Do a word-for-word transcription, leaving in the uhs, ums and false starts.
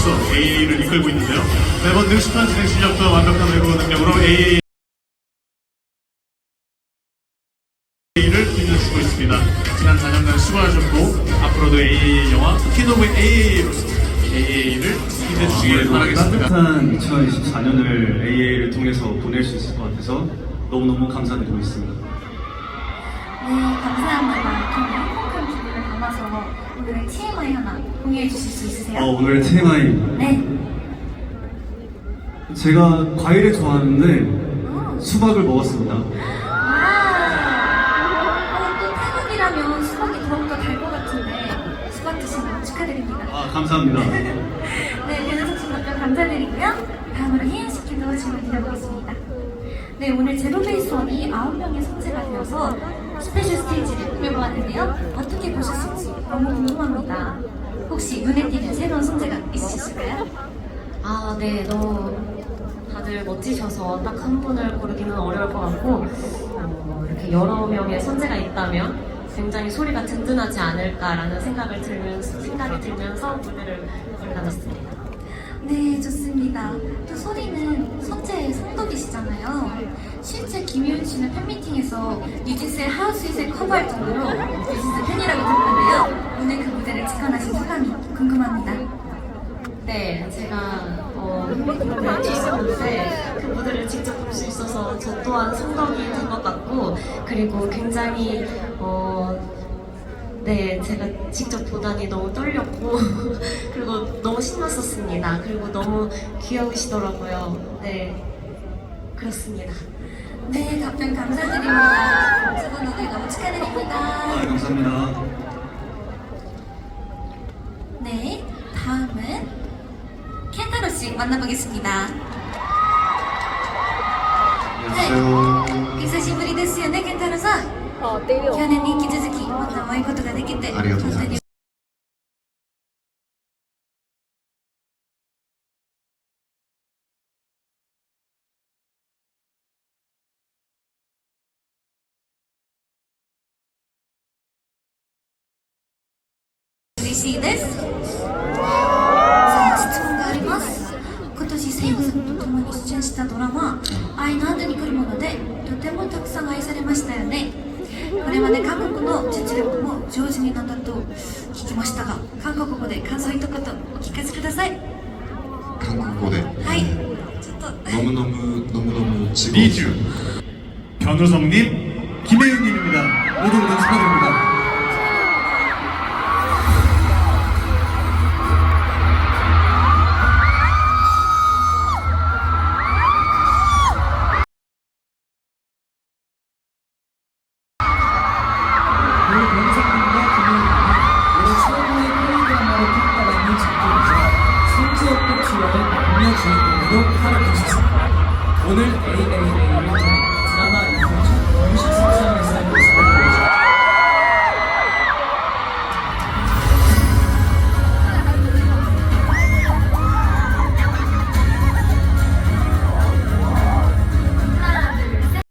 선수로서 에이에이를 이끌고 있는데요. 매번 능숙한 진행 실력과 완벽한 외국어 능력으로 에이에이를 빛내주고 있습니다. 지난 사 년간 수고하셨고 앞으로도 에이에이 영화 퀸 오브 에이에이로서 에이에이를 빛내주시길 바라겠습니다. 따뜻한 이천이십사 년을 에이에이를 통해서 보낼 수 있을 것 같아서 너무너무 감사드리고 있습니다. 네, 감사합니다. 그럼 행복한 기분을 담아서 오늘의 티엠아이 하나 공유해 주실 수 있으세요? 어, 오늘의 티엠아이. 네. 제가 과일을 좋아하는데 음. 수박을 먹었습니다. 와. 어, 또 태국이라면 수박이 더욱더 달 것 같은데 수박 드신 거 축하드립니다. 아, 감사합니다. 네, 변호석 씨 답변 감사드리고요. 다음으로 희연 씨께도 질문 드려보겠습니다. 네, 오늘 제로베이스원이 아홉 명의 성재가 되어서 스페셜 스테이지를 꾸며보았는데요. 어떻게 보셨을지 너무 궁금합니다. 혹시 눈에 띄는 새로운 성재가 있으실까요? 아, 네, 너무 다들 멋지셔서 딱 한 분을 고르기는 어려울 것 같고 어, 이렇게 여러 명의 선재가 있다면 굉장히 소리가 든든하지 않을까라는 생각을 들면서, 생각이 들면서 무대를 올라갔습니다. 네, 좋습니다. 또 소리는 선재의 성덕이시잖아요. 실제 김효은 씨는 팬미팅에서 뉴진스의 하우스잇을 커버할 정도로 뉴진스 팬이라고 들었는데요. 오늘 그 무대를 직관하신 소감이 궁금합니다. 네, 제가 어, 무대를 찍었는데 그 무대를 직접 볼 수 있어서 저 또한 성덕이 된 것 같고 그리고 굉장히 어, 네, 제가 직접 보다니 너무 떨렸고 그리고 너무 신났었습니다. 그리고 너무 귀여우시더라고요. 네, 그렇습니다. 네, 답변 감사드립니다. 두 분 오늘 너무 축하드립니다. 아, 감사합니다. 네, 다음은 켄타로 씨 만나보겠습니다. 안녕하세요. 久しぶりですよね、ケンタロウさん。去年に引き続きまたお会いことができてありがとうございます。 嬉しいです。さあ、質問があります。今年セイヨンさんと共に出演したドラマ「愛の後に来るもの」でとてもたくさん愛されましたよね。これまで韓国の実力も上手になったと聞きましたが、韓国語で感想一言お聞かせください。 한국어 대 はい、ちょっと 너무너무 너무너무 즐거웠어요. 리주 변우성님, 김혜은님입니다. 모두 모두 축하드립니다. 우리 변호사님과 김혜은님이 올해 최고의 K드라마로 평가받는 작품이자 승지의 꽃이와의 남녀 주인공으로 활약하셨습니다. 오늘 에이에이에이를